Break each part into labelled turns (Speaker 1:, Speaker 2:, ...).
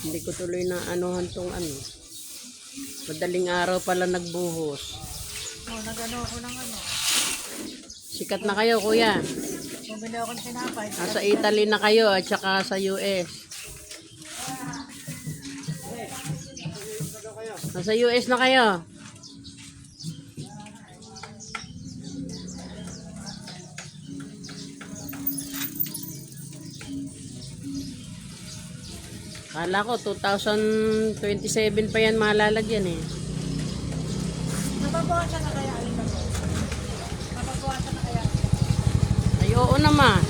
Speaker 1: Hindi ko tuloy na anuhan tong ano. Madaling araw pala nagbuhos.
Speaker 2: Nagano ako ng ano.
Speaker 1: Sikat na kayo, kuya.
Speaker 2: Bumili ako ng tinapay.
Speaker 1: Nasa Italy na kayo at saka sa US. Nasa US na kayo. Kala ko 2027 pa yan malalagyan eh.
Speaker 2: Nababawasan na kaya alin ba? Nababawasan na kaya.
Speaker 1: Ay, oo naman.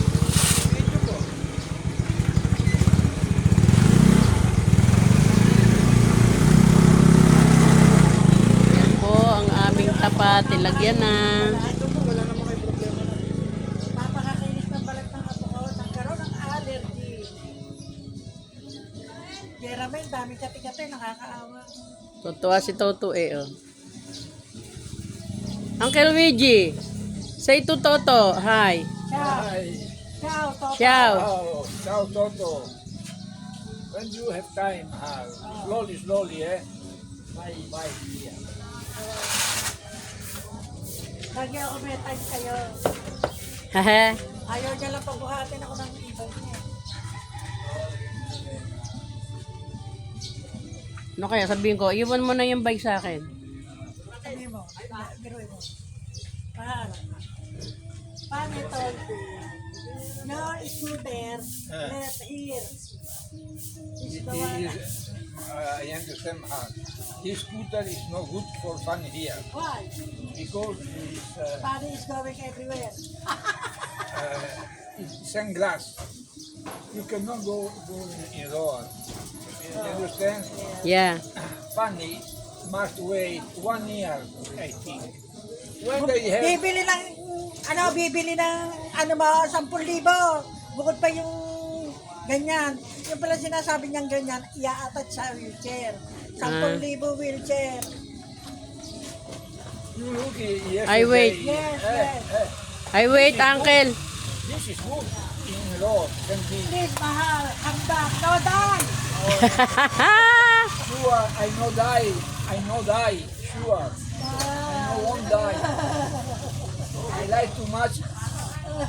Speaker 1: Yan po ang aming tapat. Ilagyan na.
Speaker 2: Papakakinis ng balat ng apo ko. Nagkaroon ng allergy. Kaya may daming kati-kati. Nakakaawa.
Speaker 1: Tutuwa si Toto eh. Oh. Uncle Luigi, say to Toto, hi.
Speaker 2: Ciao.
Speaker 3: Hi.
Speaker 2: Ciao, Toto.
Speaker 1: Ciao.
Speaker 3: Oh, ciao Toto. When you have time, slowly, eh? Bye, here.
Speaker 2: Lagi ako may time kayo.
Speaker 1: Haha.
Speaker 2: Ayaw niya lang pagbuhatin ako ng ibon niya.
Speaker 1: Ano kaya sabihin ko, iwan mo na yung bike sa akin.
Speaker 2: Sabi mo, biruin mo. Paano ito? No scooter, left here.
Speaker 3: It is, I understand how. This scooter is no good for fun here
Speaker 2: Why?
Speaker 3: because
Speaker 2: Paano is going everywhere.
Speaker 3: it's sunglass. You cannot go in road. You understand?
Speaker 1: Yeah.
Speaker 3: Funny must wait 1 year, I think. When they have
Speaker 2: Bibili ng mo, 10,000. Bukod pa yung ganyan. Yung pala sinasabi niyang ganyan, ia-attach sa wheelchair. 10,000 wheelchair.
Speaker 3: you look yesterday,
Speaker 1: I wait.
Speaker 2: Yes,
Speaker 3: eh,
Speaker 2: yes.
Speaker 3: eh,
Speaker 1: I wait, uncle.
Speaker 3: this is good in road. Can be
Speaker 2: Please, mahal, handa, no die.
Speaker 3: sure. I know die. Sure. I know won't die. I like too much